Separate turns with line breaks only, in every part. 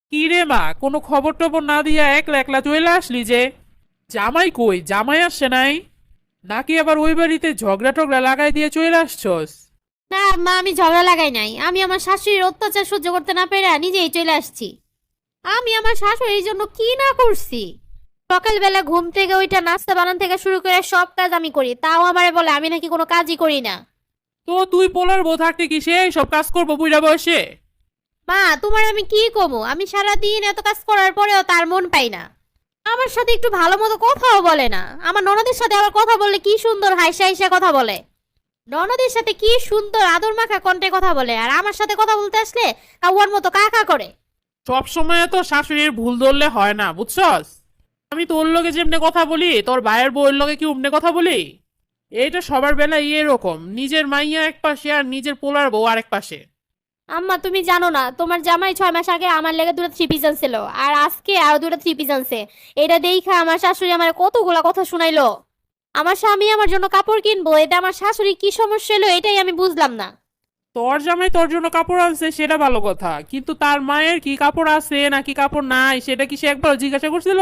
কি রে মা, কোনো খবর টবর না দিয়া একলা একলা চলে আসলি যে? জামাই কই? জামাই আসছে নাই? নাকি আবার ওই বাড়িতে ঝগড়া টগড়া লাগাই দিয়ে চলে আসছস?
না মা, আমি ঝগড়া লাগাই নাই। আমি আমার শাশুড়ির অত্যাচার সহ্য করতে না পেরে নিজেই চলে আসছি। আমি আমার শাশুড়ির জন্য কি না করছি। সকালবেলা ঘুম থেকে ওইটা নাস্তা বানান থেকে শুরু করে সব কাজ আমি করি, তাও আমারে বলে আমি নাকি কোনো কাজই করি না।
তো তুই পোলার বউ থাকতে কি সেই সব কাজ করবো বুইড়া বয়সে?
মা, তোমার আমি কি কমু? আমি সারাদিন এত কাজ করার পরেও তার মন পাই না। আমার সাথে একটু ভালো মতো কথাও বলে না। আমার ননদের সাথে আবার কথা বললে কি সুন্দর হাইসা হাইসা কথা বলে। ননদের সাথে কি সুন্দর আদর মাখা কণ্ঠে কথা বলে, আর আমার সাথে কথা বলতে আসলে কাউয়ার মতো কাকা করে।
সব সময় তো শাশুড়ির ভুল ধরলে হয় না, বুঝছস? আমি তোর লগে যেমনে কথা বলি, তোর ভাইয়ের বউয়ের লগে কি অমনে কথা বলি? এইটা সবার বেলা এরকম, নিজের মাইয়া এক পাশে আর নিজের পোলার বউ আরেক পাশে।
আম্মা, তুমি জানো না তোমার জামাই 6 মাস আগে আমার লেগে দুটো থ্রি পিস আনছিল, আর আজকে আরো দুটো থ্রি পিস আনছে। এটা দেখা আমার শাশুড়ি আমার কতগুলা কথা শুনাইলো। আমার স্বামী আমার জন্য কাপড় কিনবো, এটা আমার শাশুড়ি কি সমস্যা এলো এটাই আমি বুঝলাম না।
তোর জামাই তোর জন্য কাপড় আনছে সেটা ভালো কথা, কিন্তু তার মায়ের কি কাপড় আছে নাকি কাপড় নাই সেটা কি সে একবার জিজ্ঞাসা করছিল?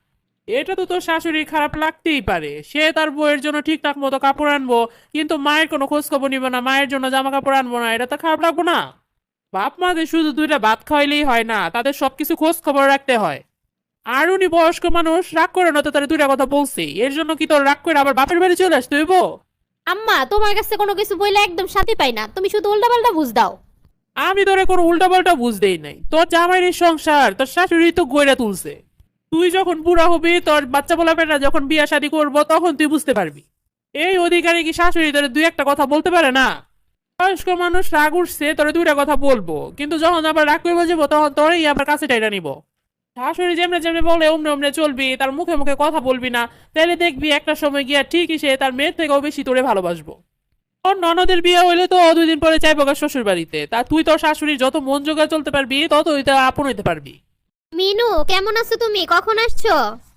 এটা তো তোর শাশুড়ির খারাপ লাগতেই পারে, সে তার বউয়ের জন্য ঠিকঠাক মতো কাপড় আনবো কিন্তু মায়ের কোনো খোঁজ খবর নিবে না, মায়ের জন্য জামা কাপড় আনবো না, এটা তো খারাপ লাগবো না? বাপ মাদের শুধু দুইটা ভাত খাওয়াইলেই হয় না, তাদের সবকিছু খোঁজ খবর রাখতে হয়। আর উনি বয়স্ক মানুষ, রাগ করে না তো তার দুইটা কথা বলছি, এর জন্য কি তোর রাগ করে আবার বাপের বাড়ি চলে আসতে হইব?
আম্মা, তোমার কাছে কোনো কিছু বইলে একদম শান্তি পাই না, তুমি শুধু উল্টাপাল্টা বুঝ দাও।
আমি তোরে কোনো উল্টাপাল্টা বুঝতেই নাই, তোর জামাইয়ের সংসার তোর শাশুড়ি তো গইরা তুলছে। তুই যখন বুড়া হবি, তোর বাচ্চা পোলাপেরা যখন বিয়া শাদী করবো তখন তুই বুঝতে পারবি এই অধিকারে কি শাশুড়ি তোরে দুই একটা কথা বলতে পারে না। বয়স্ক মানুষ রাগ উঠছে তোরে দুইটা কথা বলবো, কিন্তু যখন আবার রাগ করে যাবো তখন তোরেই আবার কাছে টাইটা নিব। শাশুড়ি যেমনে যেমনে বলে অমনে অমনে চলবি, তার মুখে মুখে কথা বলবি না, তাহলে দেখবি একটা সময় গিয়া ঠিকই সে তার মেয়ের থেকেও বেশি তোরে ভালোবাসবো। তোর ননদের বিয়ে হইলে তো 2 দিন পরে চাইবো গা শ্বশুর বাড়িতে, তা তুই তোর শাশুড়ির যত মন জোগা চলতে পারবি ততই তা আপন হইতে পারবি।
মিনু, কেমন আছো তুমি? কখন আসছো?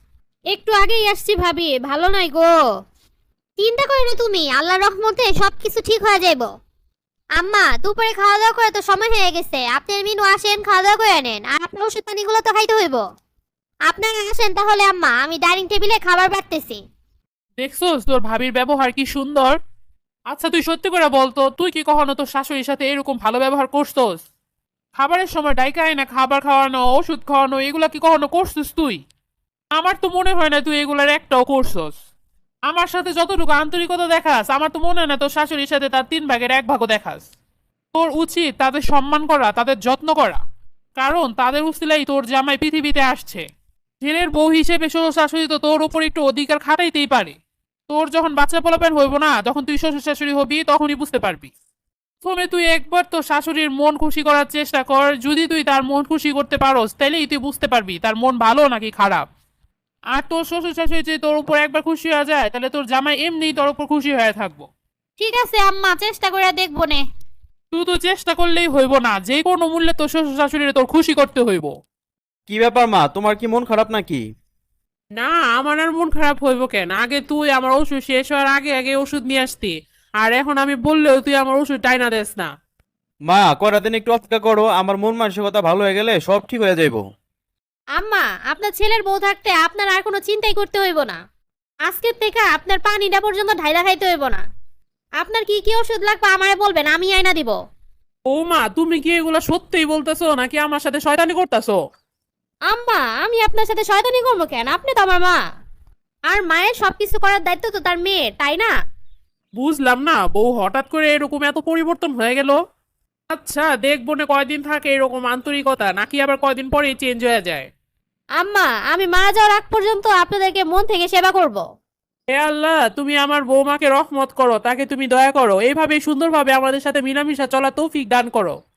একটু আগেই আসছি ভাবি, ভালো নাই গো। চিন্তা করো না তুমি, আল্লাহর রহমতে সবকিছু ঠিক হয়ে যাইব। আম্মা, দুপুরে খাওয়া দাওয়া করে তো সময় হয়ে গেছে। আপনি আর মিনু আসেন, খাওয়া দাওয়া করে নেন, আর আপনার ওষুধ পানিগুলো তো খাইতে হইব। আপনারা আসেন তাহলে আম্মা, আমি ডাইনিং টেবিলে খাবার বাড়তেছি।
দেখছোস তোর ভাবির ব্যবহার কি সুন্দর? আচ্ছা তুই সত্যি করে বলতো, তুই কি কখনো তোর শাশুড়ির সাথে এরকম ভালো ব্যবহার করছস? খাবারের সময় ডাইকা না খাবার খাওয়ানো, ওষুধ খাওয়ানো, এগুলা কি কখনো করছিস তুই? আমার তো মনে হয় না তুই এগুলার একটাও করছস। আমার সাথে যতটুকু আন্তরিকতা দেখাস, আমার তো মনে হয় না তোর শাশুড়ির সাথে তার 3 ভাগের 1 ভাগও দেখাস। তোর উচিত তাদের সম্মান করা, তাদের যত্ন করা, কারণ তাদের উসিলাই তোর জামাই পৃথিবীতে আসছে। ছেলের বউ হিসেবে শ্বশুর শাশুড়ি তো তোর উপর একটু অধিকার খাটাইতেই পারে। তোর যখন বাচ্চা পোলাপেন হইব না, যখন তুই শ্বশুর শাশুড়ি হবি তখনই বুঝতে পারবি। প্রথমে তুই একবার তোর শাশুড়ির মন খুশি করার চেষ্টা কর, যদি তুই তার মন খুশি করতে পারোস তাহলেই তুই বুঝতে পারবি তার মন ভালো নাকি খারাপ। আর তোর শ্বশুর শাশুড়ি যদি তোর উপর একবার খুশি হয়ে যায়, তাহলে তোর জামাই এমনিই তোর উপর খুশি হয়ে থাকবো।
ঠিক আছে আম্মা, চেষ্টা করে দেখবো নে।
শুধু চেষ্টা করলেই হইব না, যে কোনো মূল্যে তোর শ্বশুর শাশুড়ি তোর খুশি করতে হইব।
কি ব্যাপার মা, তোমার কি মন খারাপ নাকি?
না, আমার আর মন খারাপ হইব কেন? আগে তুই আমার ওষুধ শেষ হওয়ার আগে আগে ওষুধ নিয়ে আসতি, আর এখন আমি বললেও তুই আমার ওষুধ টাইনা দেস না।
মা, কটা দিন একটু অপেক্ষা করো, আমার মন মানসিকতা ভালো হয়ে গেলে সব ঠিক হয়ে যাইবো।
আম্মা, আপনার ছেলের বউ থাকতে আপনার আর কোনো চিন্তাই করতে হইব না। আজকের থেকে আপনার পানিটা পর্যন্ত ঢাইলা খাইতে হইব না। আপনার কি কি ওষুধ লাগবে আমারে বলবেন, আমি আইনা দিব।
ও মা, তুমি কি এগুলা সত্যিই বলতেছো নাকি আমার সাথে শয়তানি করতেছো?
আম্মা, আমি আপনার সাথে শয়তানি করবো কেন? আপনি তো আমার মা। আর মায়ের সবকিছু করার দায়িত্ব তো তার মেয়ে, তাই না?
বুঝলাম না, বউ হঠাৎ করে এরকম এত পরিবর্তন হয়ে গেল। আচ্ছা দেখবো না কয়দিন থাকে এরকম আন্তরিকতা, নাকি আবার কয়দিন পরেই চেঞ্জ হয়ে যায়।
আম্মা, আমি মারা যাওয়ার আগ পর্যন্ত আপনাদেরকে মন থেকে সেবা করব।
হে আল্লাহ, তুমি আমার বৌমাকে রহমত করো, তাকে তুমি দয়া করো, এইভাবে সুন্দরভাবে আমাদের সাথে মিলামিশা চলা তৌফিক দান করো।